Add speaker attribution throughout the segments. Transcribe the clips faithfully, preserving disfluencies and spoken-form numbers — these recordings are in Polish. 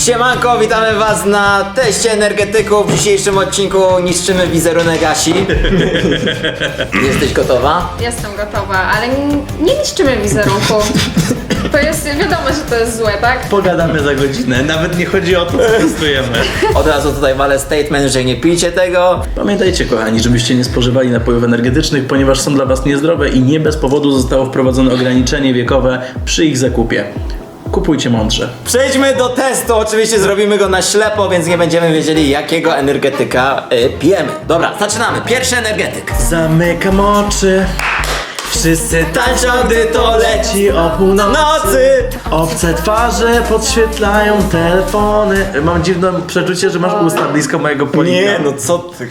Speaker 1: Siemanko, witamy was na teście energetyków. W dzisiejszym odcinku niszczymy wizerunek Asi. Jesteś gotowa?
Speaker 2: Jestem gotowa, ale nie, nie niszczymy wizerunku. To jest, wiadomo, że to jest złe, tak?
Speaker 3: Pogadamy za godzinę, nawet nie chodzi o to, co testujemy.
Speaker 1: Od razu tutaj walę statement, że nie pijcie tego.
Speaker 3: Pamiętajcie, kochani, żebyście nie spożywali napojów energetycznych, ponieważ są dla was niezdrowe i nie bez powodu zostało wprowadzone ograniczenie wiekowe przy ich zakupie. Kupujcie mądrze.
Speaker 1: Przejdźmy do testu. Oczywiście zrobimy go na ślepo, więc nie będziemy wiedzieli, jakiego energetyka y, pijemy. Dobra, zaczynamy. Pierwszy energetyk.
Speaker 3: Zamykam oczy. Wszyscy
Speaker 1: Tańczą, gdy to leci
Speaker 3: o północy.
Speaker 1: nocy.
Speaker 3: Obce twarze podświetlają telefony. Mam dziwne przeczucie, że masz usta blisko mojego polika.
Speaker 1: Nie, no co ty?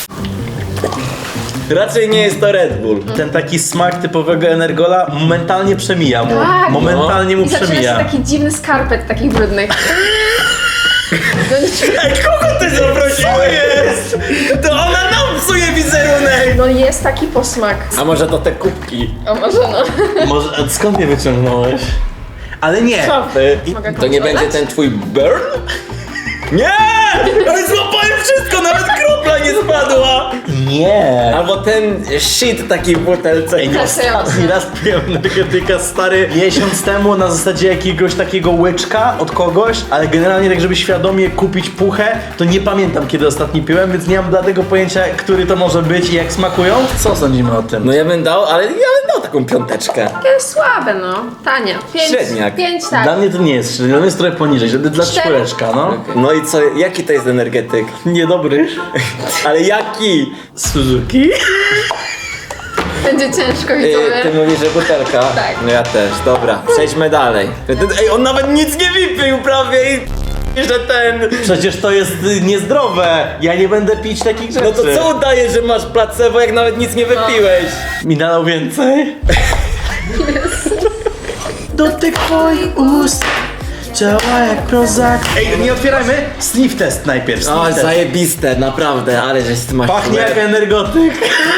Speaker 1: Raczej nie jest to Red Bull.
Speaker 3: Ten taki smak typowego energola momentalnie przemija mu.
Speaker 2: Tak.
Speaker 3: Momentalnie mu
Speaker 2: I zaczyna się
Speaker 3: przemija.
Speaker 2: taki dziwny skarpet takich brudnych. No nic.
Speaker 1: Ej, kogo ty zaprosiłeś? To ona nam psuje wizerunek.
Speaker 2: No jest taki posmak.
Speaker 1: A może to te kubki?
Speaker 2: O może no.
Speaker 3: Może, a skąd je wyciągnąłeś? Ale nie.
Speaker 1: Szafy.
Speaker 2: Mogę
Speaker 1: To nie
Speaker 2: kontrolować?
Speaker 1: będzie ten twój burn? Nie! Ale złapałem wszystko, nawet kropla nie spadła!
Speaker 3: Nie.
Speaker 1: Albo ten shit taki w butelce.
Speaker 3: Ej, nie ostatni raz piłem energetyka stary miesiąc temu na zasadzie jakiegoś takiego łyczka od kogoś, ale generalnie tak, żeby świadomie kupić puchę, to nie pamiętam kiedy ostatni piłem, więc nie mam dlatego pojęcia, który to może być i jak smakują. Co sądzimy o tym?
Speaker 1: No ja bym dał, ale ja bym dał taką piąteczkę.
Speaker 2: Takie słabe no. Tanie. Pięć,
Speaker 1: Średniak.
Speaker 2: Pięć tak.
Speaker 3: Dla mnie to nie jest, dla mnie jest trochę poniżej, żeby dla
Speaker 2: Cztery.
Speaker 3: czwóreczka, no.
Speaker 1: No i co, jaki to jest energetyk?
Speaker 3: Niedobry.
Speaker 1: Ale jaki?
Speaker 3: Suzuki?
Speaker 2: Będzie ciężko
Speaker 1: Yy,
Speaker 2: widzowie.
Speaker 1: ty mówisz, że butelka?
Speaker 2: Tak.
Speaker 1: No ja też, dobra, przejdźmy dalej. Ej, on nawet nic nie wypił prawie i że ten...
Speaker 3: Przecież to jest y, niezdrowe. Ja nie będę pić takich rzeczy.
Speaker 1: No to co udaje, że masz placebo, jak nawet nic nie wypiłeś?
Speaker 3: Mi nalał więcej? Dotyk twoich ust działa jak Prozac. Ej, nie otwierajmy. Sniff test najpierw. Sniff
Speaker 1: O,
Speaker 3: test.
Speaker 1: zajebiste, naprawdę, ale żeś ty masz...
Speaker 3: Pachnie jak energotyk.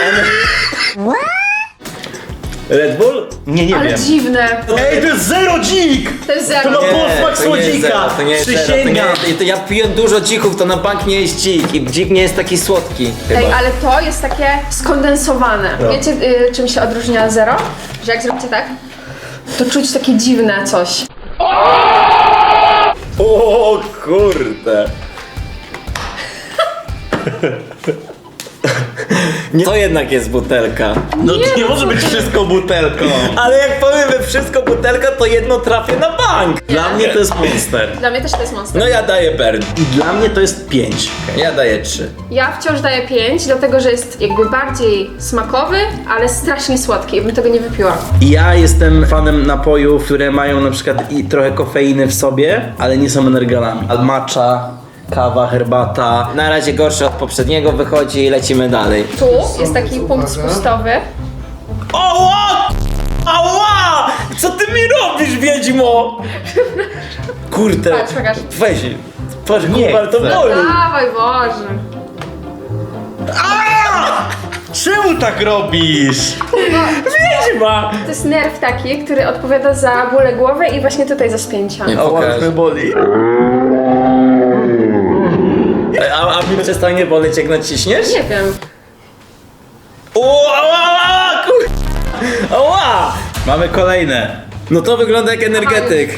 Speaker 1: Red Bull?
Speaker 3: Nie, nie
Speaker 2: Ale
Speaker 3: wiem.
Speaker 2: dziwne.
Speaker 3: Ej, to jest zero dzik!
Speaker 2: To jest zero.
Speaker 3: To ma
Speaker 1: Nie,
Speaker 3: posmak
Speaker 1: to nie jest
Speaker 3: słodzika.
Speaker 1: zero, to nie jest zero, to nie
Speaker 3: Przysięgam.
Speaker 1: jest, to ja piłem dużo dzików, to na bank nie jest dzik i dzik nie jest taki słodki chyba.
Speaker 2: Ej, ale to jest takie skondensowane.
Speaker 3: No.
Speaker 2: Wiecie y, czym się odróżnia zero? Że jak zrobicie tak, to czuć takie dziwne coś.
Speaker 1: O kurde. Nie, to jednak jest butelka.
Speaker 3: No to nie może być wszystko butelką.
Speaker 1: Ale jak powiemy wszystko butelka, to jedno trafię na bank.
Speaker 3: Dla mnie to jest Monster.
Speaker 2: Dla mnie też to jest monster.
Speaker 1: No ja daję burn.
Speaker 3: I dla mnie to jest pięć.
Speaker 1: Ja daję trzy.
Speaker 2: Ja wciąż daję pięć, dlatego że jest jakby bardziej smakowy, ale strasznie słodki. Bym tego nie wypiła.
Speaker 3: Ja jestem fanem napojów, które mają na przykład i trochę kofeiny w sobie, ale nie są energalami. Matcha, kawa, herbata.
Speaker 1: Na razie gorszy od poprzedniego wychodzi i lecimy dalej.
Speaker 2: Tu jest taki punkt spustowy.
Speaker 1: Ała! Ała! Co ty mi robisz, wiedźmo? Kurde.
Speaker 2: Patrz, pokaż.
Speaker 1: Weź. Patrz,
Speaker 3: Nie
Speaker 1: kurwa, to
Speaker 3: chcę.
Speaker 1: boli.
Speaker 2: Dawaj, Boże.
Speaker 3: Czemu tak robisz?
Speaker 1: Wiedźma!
Speaker 2: To jest nerw taki, który odpowiada za bóle głowy i właśnie tutaj za spięcia.
Speaker 1: Nie.
Speaker 3: Ała,
Speaker 1: Pokaż.
Speaker 3: mnie boli.
Speaker 1: A, a mi przestanie boleć, jak naciśniesz?
Speaker 2: Nie wiem.
Speaker 1: O, ała, ała, kur... Ała!
Speaker 3: Mamy kolejne.
Speaker 1: No to wygląda jak energetyk.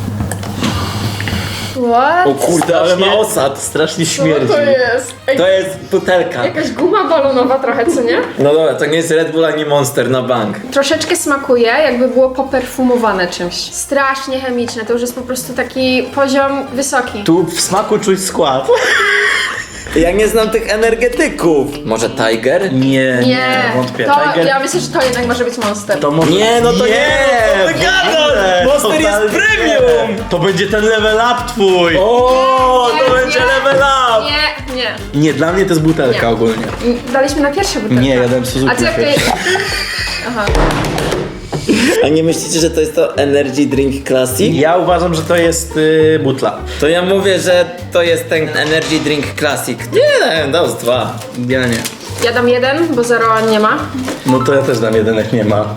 Speaker 2: What?
Speaker 1: O kurde, ale ma osad.
Speaker 3: Strasznie
Speaker 2: Co
Speaker 3: śmierdzi.
Speaker 2: to jest? Ej,
Speaker 1: To jest butelka.
Speaker 2: jakaś guma balonowa trochę, co nie?
Speaker 1: No dobra, to nie jest Red Bull ani Monster na bank.
Speaker 2: Troszeczkę smakuje, jakby było poperfumowane czymś. Strasznie chemiczne, to już jest po prostu taki poziom wysoki.
Speaker 3: Tu w smaku czuć skład.
Speaker 1: Ja nie znam tych energetyków. Może Tiger?
Speaker 3: Nie, nie,
Speaker 2: Nie,
Speaker 3: wątpię.
Speaker 2: to,
Speaker 3: Tiger,
Speaker 2: ja myślę, że to jednak może być Monster.
Speaker 3: to może...
Speaker 1: Nie, no to nie, no to
Speaker 3: w
Speaker 1: gadasz.
Speaker 3: ogóle,
Speaker 1: Monster jest
Speaker 3: totalnie
Speaker 1: premium.
Speaker 3: nie. To będzie ten level up twój.
Speaker 1: O, to
Speaker 2: Nie,
Speaker 1: będzie
Speaker 2: nie,
Speaker 1: level up.
Speaker 2: Nie, nie.
Speaker 3: Nie, dla mnie to jest butelka
Speaker 2: Nie.
Speaker 3: ogólnie.
Speaker 2: Daliśmy na pierwsze butelkę.
Speaker 3: Nie, ja dałem Suzuki
Speaker 2: A ty jak
Speaker 3: na
Speaker 2: to
Speaker 3: pierwsze.
Speaker 2: Aha.
Speaker 1: A nie myślicie, że to jest to Energy Drink Classic?
Speaker 3: Ja uważam, że to jest y, butla.
Speaker 1: To ja mówię, że to jest ten Energy Drink Classic. Nie, dał z dwa.
Speaker 3: Ja nie.
Speaker 2: Ja dam jeden, bo zero nie ma.
Speaker 3: No to ja też dam jeden, jak nie ma.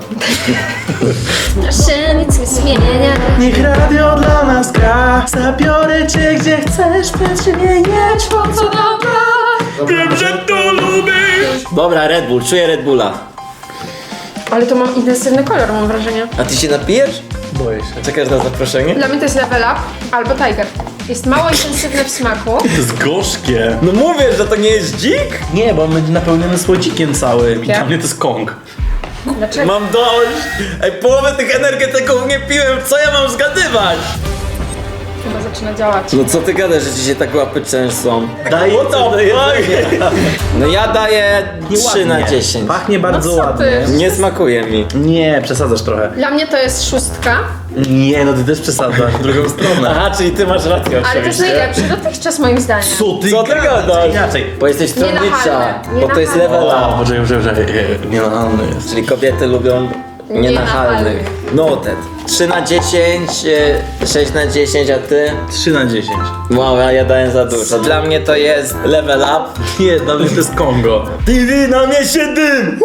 Speaker 2: Się nic nie zmienia.
Speaker 3: Niech radio dla nas gra. Zabiorę cię gdzie że chcesz przemieniać.
Speaker 2: Po co dobra?
Speaker 3: Wiem, że to lubisz.
Speaker 1: Dobra, Red Bull, czuję Red Bulla.
Speaker 2: Ale to mam intensywny kolor, mam wrażenie.
Speaker 1: A ty się napijesz?
Speaker 3: Boję się.
Speaker 1: Czekasz na zaproszenie?
Speaker 2: Dla mnie to jest Level Up albo Tiger. Jest mało intensywne w smaku.
Speaker 3: To jest gorzkie.
Speaker 1: No mówię, że to nie jest dzik?
Speaker 3: Nie, bo on będzie napełniony słodzikiem całym i
Speaker 2: Ja?
Speaker 3: dla mnie to jest kong.
Speaker 2: Dlaczego?
Speaker 1: Mam dość! Ej, połowę tych energetyków nie piłem, co ja mam zgadywać?
Speaker 2: Chyba zaczyna działać.
Speaker 1: No co ty gadasz, że ci się tak łapy często?
Speaker 3: Daj
Speaker 1: What the fuck? No ja daję trzy na dziesięć.
Speaker 3: Pachnie bardzo
Speaker 2: No co
Speaker 3: ładnie.
Speaker 2: ty?
Speaker 1: Nie smakuje mi.
Speaker 3: Nie, przesadzasz trochę.
Speaker 2: Dla mnie to jest szóstka,
Speaker 3: Nie, no ty też przesadzasz w drugą stronę.
Speaker 1: Aha, czyli ty masz rację
Speaker 2: ale to jest najlepszy dotychczas moim zdaniem.
Speaker 3: Co ty
Speaker 1: Co ty gadasz?
Speaker 3: Inaczej.
Speaker 1: Bo jesteś stronnicza,
Speaker 2: Nienachalne,
Speaker 1: bo to jest
Speaker 2: nienachalne.
Speaker 1: level
Speaker 3: O,
Speaker 1: up.
Speaker 3: poczekaj, poczekaj, poczekaj. Nienachalny jest.
Speaker 1: Czyli kobiety lubią nienachalnych. Noted. trzy na dziesięć, e, sześć na dziesięć, a ty?
Speaker 3: trzy na dziesięć.
Speaker 1: Wow, ja daję za dużo. Dla mnie to jest level up.
Speaker 3: Nie, dla mnie to jest Kongo.
Speaker 1: Ty, na mnie się dym!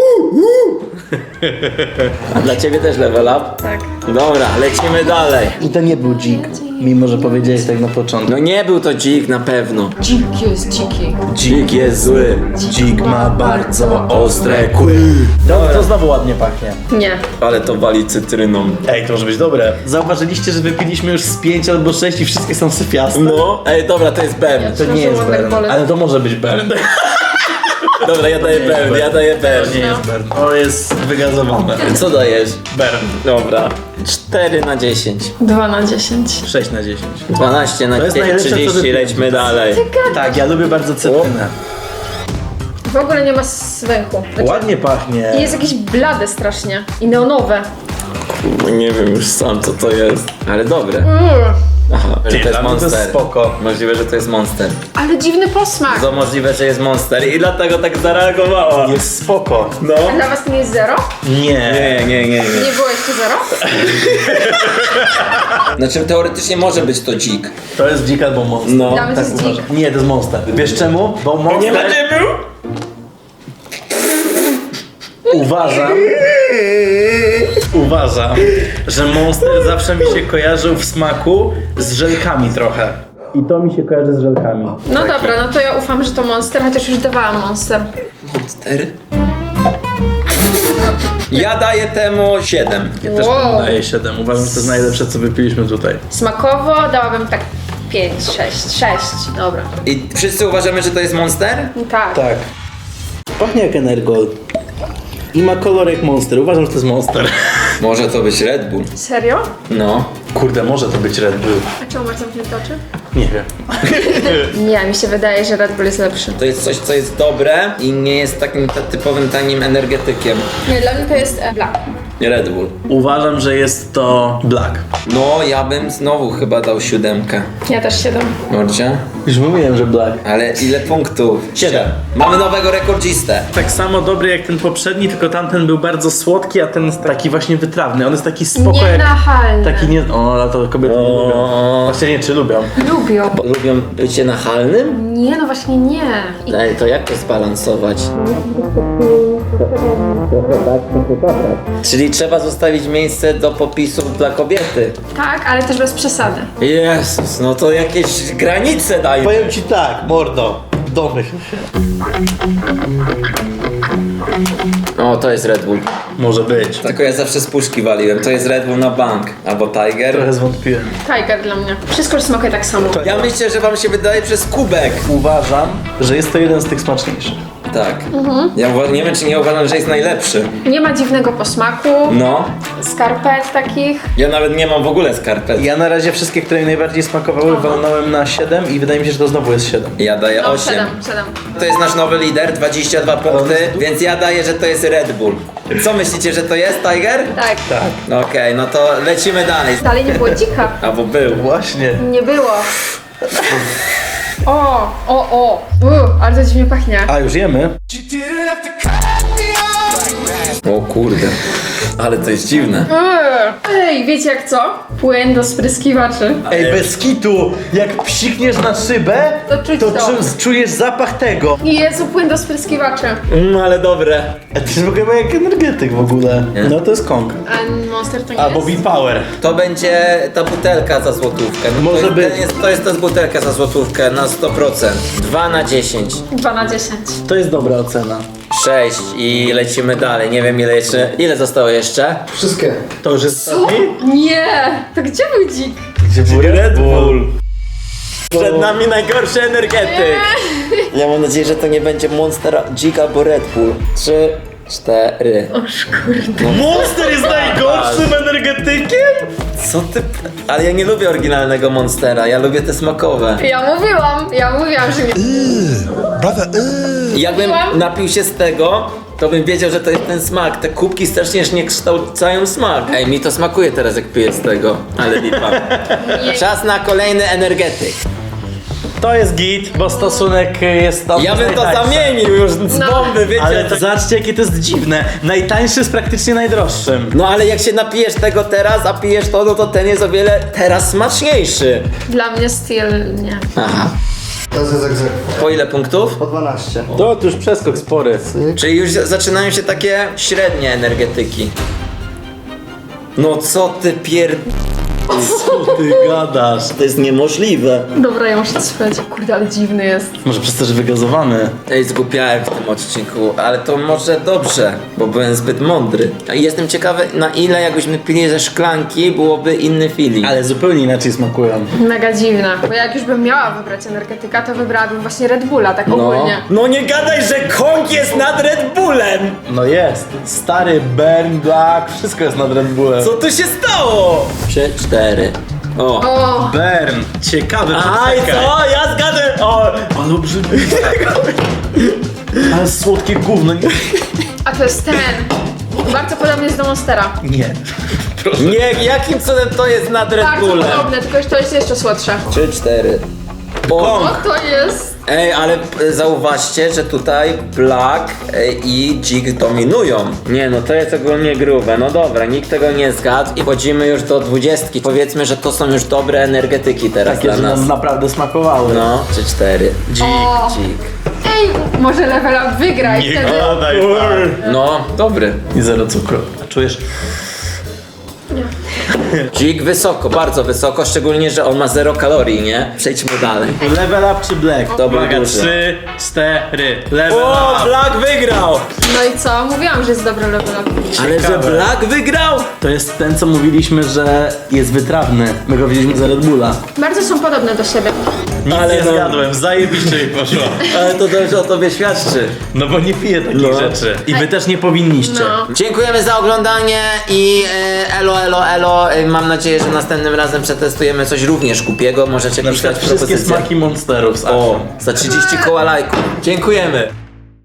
Speaker 1: A dla ciebie też level up?
Speaker 2: Tak.
Speaker 1: Dobra, lecimy dalej.
Speaker 3: I to nie był dzik, mimo że powiedziałeś tak na początku.
Speaker 1: No nie był to dzik na pewno.
Speaker 2: Dzik jest dziki.
Speaker 1: Dzik jest zły.
Speaker 3: Dzik ma bardzo
Speaker 1: Ostre kły.
Speaker 3: To, to znowu ładnie pachnie.
Speaker 2: Nie.
Speaker 1: Ale to wali cytryną.
Speaker 3: Ej, to może być dobre. Zauważyliście, że wypiliśmy już z pięć albo sześć i wszystkie są syfiaste?
Speaker 1: No. Ej, dobra, to jest Bern.
Speaker 3: To nie jest Bern, ale to może być Bern.
Speaker 1: Dobra, ja daję Bern, ja daję Bern.
Speaker 3: Nie jest Bern. To jest wygazowane.
Speaker 1: Co dajesz?
Speaker 3: Bern.
Speaker 1: Dobra. cztery na dziesięć.
Speaker 2: dwa na dziesięć.
Speaker 3: sześć na dziesięć.
Speaker 1: dwanaście na
Speaker 3: To jest najlepsze, co
Speaker 1: trzydzieści,
Speaker 3: wypiłem.
Speaker 1: lećmy dalej.
Speaker 3: Tak, ja lubię bardzo cytrynę.
Speaker 2: W ogóle nie ma zwęchu. Znaczy,
Speaker 3: Ładnie pachnie.
Speaker 2: i jest jakieś blade strasznie. I neonowe.
Speaker 1: Nie wiem już sam co to jest, ale dobre.
Speaker 2: Mm.
Speaker 1: Aha, że to jest
Speaker 3: dla mnie to jest
Speaker 1: Monster.
Speaker 3: spoko.
Speaker 1: Możliwe, że to jest Monster.
Speaker 2: Ale dziwny posmak.
Speaker 1: To możliwe, że jest Monster i dlatego tak zareagowała.
Speaker 3: Jest spoko.
Speaker 1: No.
Speaker 2: A dla was to nie jest zero?
Speaker 3: Nie.
Speaker 1: Nie, nie, nie, nie.
Speaker 2: Nie było jeszcze zero?
Speaker 1: Znaczy teoretycznie może być to dzik.
Speaker 3: To jest dzik albo monster.
Speaker 1: No.
Speaker 2: Dla mnie to
Speaker 3: Tak
Speaker 2: jest
Speaker 3: uważam.
Speaker 2: dzik.
Speaker 3: Nie, to jest monster. Wiesz czemu? Bo monster...
Speaker 1: był?
Speaker 3: Uważam... Uważam, że monster zawsze mi się kojarzył w smaku z żelkami trochę. I to mi się kojarzy z żelkami.
Speaker 2: No dobra, no to ja ufam, że to Monster, chociaż już dawałam Monster.
Speaker 1: Monster? Ja daję temu siedem.
Speaker 3: Ja też
Speaker 2: Wow.
Speaker 3: daję siedem. Uważam, że to jest najlepsze, co wypiliśmy tutaj.
Speaker 2: Smakowo dałabym tak pięć, sześć, sześć. Dobra.
Speaker 1: I wszyscy uważamy, że to jest Monster?
Speaker 2: Tak.
Speaker 3: Tak. Pachnie jak Energol. I ma kolor jak monster. Uważam, że to jest monster.
Speaker 1: Może to być Red Bull.
Speaker 2: Serio?
Speaker 1: No.
Speaker 3: Kurde, może to być Red Bull.
Speaker 2: A czemu masz zamknięte oczy?
Speaker 3: Nie wiem.
Speaker 2: Nie, mi się wydaje, że Red Bull jest lepszy.
Speaker 1: To jest coś, co jest dobre i nie jest takim ta- typowym tanim energetykiem.
Speaker 2: Nie, dla mnie to jest e, Black.
Speaker 1: Red Bull.
Speaker 3: Uważam, że jest to Black.
Speaker 1: No, ja bym znowu chyba dał siódemkę.
Speaker 2: Ja też siedem.
Speaker 1: Mordzie?
Speaker 3: Już mówiłem, że Black.
Speaker 1: Ale ile punktów?
Speaker 3: Siedem.
Speaker 1: Mamy nowego rekordzistę.
Speaker 3: Tak samo dobry jak ten poprzedni, tylko tamten był bardzo słodki, a ten jest taki właśnie wytrawny. On jest taki spoko jak...
Speaker 2: Nienachalny.
Speaker 3: Taki nie... O, ale to kobiety nie lubią. Właśnie nie, czy lubią?
Speaker 2: Lubią.
Speaker 1: Lubią bycie nachalnym?
Speaker 2: Nie, no właśnie nie. I
Speaker 1: Ej, to jak to zbalansować? Czyli trzeba zostawić miejsce do popisów dla kobiety.
Speaker 2: tak, ale też bez przesady.
Speaker 1: Jezus, no to jakieś granice daj.
Speaker 3: Powiem ci tak, mordo. Domyśl się.
Speaker 1: O, to jest Red Bull.
Speaker 3: Może być.
Speaker 1: Tylko ja zawsze z puszki waliłem. To jest Red Bull na bank. Albo Tiger.
Speaker 3: Trochę zwątpiłem.
Speaker 2: Tiger dla mnie. Wszystko już smakuje tak samo.
Speaker 1: Ja myślę, że wam się wydaje przez kubek.
Speaker 3: Uważam, że jest to jeden z tych smaczniejszych.
Speaker 1: Tak. Ja uwa- nie wiem, czy nie uważam, że jest najlepszy.
Speaker 2: Nie ma dziwnego posmaku.
Speaker 1: No.
Speaker 2: Skarpet takich.
Speaker 1: Ja nawet nie mam w ogóle skarpet.
Speaker 3: Ja na razie wszystkie, które mi najbardziej smakowały, walnąłem na siedem i wydaje mi się, że to znowu jest siedem.
Speaker 1: Ja daję
Speaker 2: No,
Speaker 1: osiem.
Speaker 2: siedem, siedem.
Speaker 1: To jest nasz nowy lider, dwadzieścia dwa punkty, więc ja daję, że to jest Red Bull. Co myślicie, że to jest Tiger?
Speaker 2: Tak.
Speaker 3: Tak.
Speaker 1: No Okej, no to lecimy dalej.
Speaker 2: Dalej nie było dzika.
Speaker 1: Albo był.
Speaker 3: Właśnie.
Speaker 2: Nie było. O, o, o. Uh, ale to dziwnie pachnie.
Speaker 3: A już jemy?
Speaker 1: O kurde, ale to jest dziwne.
Speaker 2: Eee. Ej, wiecie jak co? Płyn do spryskiwaczy.
Speaker 3: Ej, bez kitu, jak psikniesz na szybę,
Speaker 2: To czuć to.
Speaker 3: czu- czujesz zapach tego.
Speaker 2: Jezu, płyn do spryskiwaczy.
Speaker 1: Mm, ale dobre.
Speaker 3: A to jest chyba jak energetyk w ogóle.
Speaker 1: Nie.
Speaker 3: No to jest Kong.
Speaker 2: A Monster to nie
Speaker 3: Albo
Speaker 2: jest?
Speaker 3: V-Power.
Speaker 1: To będzie ta butelka za złotówkę. No
Speaker 3: Może
Speaker 1: to jest,
Speaker 3: być.
Speaker 1: To jest, to jest ta butelka za złotówkę na sto procent. dwa na dziesięć.
Speaker 2: dwa na dziesięć.
Speaker 3: To jest dobra ocena.
Speaker 1: sześć i lecimy dalej. Nie wiem ile jeszcze. Ile zostało jeszcze?
Speaker 4: Wszystkie.
Speaker 3: To już jest
Speaker 2: Co? Nie! To gdzie był dzik?
Speaker 3: Gdzie był Red Bull?
Speaker 1: Przed nami najgorszy energetyk. Ja mam nadzieję, że to nie będzie Monster, Dzik albo Red Bull. Trzy, cztery.
Speaker 2: Oż kurde.
Speaker 3: Monster jest najgorszym energetykiem?
Speaker 1: Co ty? Ale ja nie lubię oryginalnego Monstera, ja lubię te smakowe.
Speaker 2: Ja mówiłam, ja mówiłam, że nie.
Speaker 1: Jakbym
Speaker 2: Mówiłam.
Speaker 1: napił się z tego, to bym wiedział, że to jest ten smak. Te kubki strasznie nie kształcają smak. Ej, mi to smakuje teraz, jak piję z tego. Ale lipa.
Speaker 2: Nie.
Speaker 1: Czas na kolejny energetyk.
Speaker 3: To jest git, bo stosunek jest tam.
Speaker 1: Ja bym to
Speaker 3: najtańszy.
Speaker 1: zamienił już z
Speaker 2: No.
Speaker 1: bomby, wiecie.
Speaker 3: Ale
Speaker 1: to...
Speaker 3: to zobaczcie jakie to jest dziwne. Najtańszy jest praktycznie najdroższym.
Speaker 1: No ale jak się napijesz tego teraz, a pijesz to, no to ten jest o wiele teraz smaczniejszy.
Speaker 2: Dla mnie styl nie.
Speaker 1: Aha.
Speaker 4: To jest egzek.
Speaker 1: Po ile punktów?
Speaker 4: Po dwanaście.
Speaker 3: To już przeskok spory.
Speaker 1: Czyli już zaczynają się takie średnie energetyki. No co ty pier...
Speaker 3: Co ty gadasz?
Speaker 1: To jest niemożliwe.
Speaker 2: Dobra, ja muszę spać. Kurde, ale dziwny jest.
Speaker 3: Może przez to, że wygazowany.
Speaker 1: Ej, zgłupiałem w tym odcinku, ale to może dobrze, bo byłem zbyt mądry. I jestem ciekawy, na ile jakbyśmy pili ze szklanki, byłoby inny feeling.
Speaker 3: Ale zupełnie inaczej smakują.
Speaker 2: Mega dziwna. Bo jak już bym miała wybrać energetyka, to wybrałabym właśnie Red Bulla, tak
Speaker 1: No.
Speaker 2: ogólnie.
Speaker 1: No nie gadaj, że Kong jest nad Red Bullem!
Speaker 3: No jest. Stary, Burn, Black, wszystko jest nad Red Bullem.
Speaker 1: Co tu się stało? Trzy, cztery. O.
Speaker 2: O!
Speaker 3: Burn. Ciekawy,
Speaker 1: Aj, co? Ja zgadę! O!
Speaker 3: Ale obrzydliwe. Ale słodkie gówno. Nie.
Speaker 2: A to jest ten. Bardzo podobny jest do Monstera.
Speaker 3: Nie.
Speaker 1: Nie, jakim cudem to jest nad Red
Speaker 2: Bardzo
Speaker 1: Bullem?
Speaker 2: podobne, tylko że to jest jeszcze słodsze.
Speaker 1: Trzy, cztery. O.
Speaker 2: O, to jest...
Speaker 1: Ej, ale p- zauważcie, że tutaj Black e, i Dzik dominują. Nie, no to jest ogólnie grube. No dobra, nikt tego nie zgadł i wchodzimy już do dwudziestki. Powiedzmy, że to są już dobre energetyki teraz
Speaker 3: Takie,
Speaker 1: dla
Speaker 3: że
Speaker 1: nas.
Speaker 3: nam naprawdę smakowały.
Speaker 1: No, trzy, cztery. Dzik,
Speaker 2: O.
Speaker 1: dzik.
Speaker 2: Ej, może level up wygra i wtedy...
Speaker 3: gadaj.
Speaker 1: No, dobry.
Speaker 3: I zero cukru. Czujesz?
Speaker 1: Dzik wysoko, bardzo wysoko, szczególnie, że on ma zero kalorii, nie? Przejdźmy dalej.
Speaker 3: Level up czy black?
Speaker 1: To był
Speaker 3: Uwaga,
Speaker 1: duży.
Speaker 3: trzy, cztery. Level
Speaker 1: O,
Speaker 3: up.
Speaker 1: Black wygrał!
Speaker 2: No i co? Mówiłam, że jest dobry level up.
Speaker 1: Ale że
Speaker 3: Ciekawe.
Speaker 1: Black wygrał?
Speaker 3: To jest ten, co mówiliśmy, że jest wytrawny. My go widzieliśmy za Red Bulla.
Speaker 2: Bardzo są podobne do siebie.
Speaker 3: Nic
Speaker 1: Ale
Speaker 3: nie
Speaker 1: no-
Speaker 3: zgadłem, zajebiście mi poszło.
Speaker 1: Ale to dobrze o tobie świadczy.
Speaker 3: No bo nie piję takich
Speaker 1: No.
Speaker 3: rzeczy. I wy też nie powinniście.
Speaker 2: No.
Speaker 1: Dziękujemy za oglądanie i e, elo, elo, elo. E, mam nadzieję, że następnym razem przetestujemy coś również głupiego. Możecie
Speaker 3: Na
Speaker 1: pisać
Speaker 3: przykład wszystkie
Speaker 1: propozycje.
Speaker 3: smaki monsterów z
Speaker 1: O, za trzydzieści koła lajków. Dziękujemy.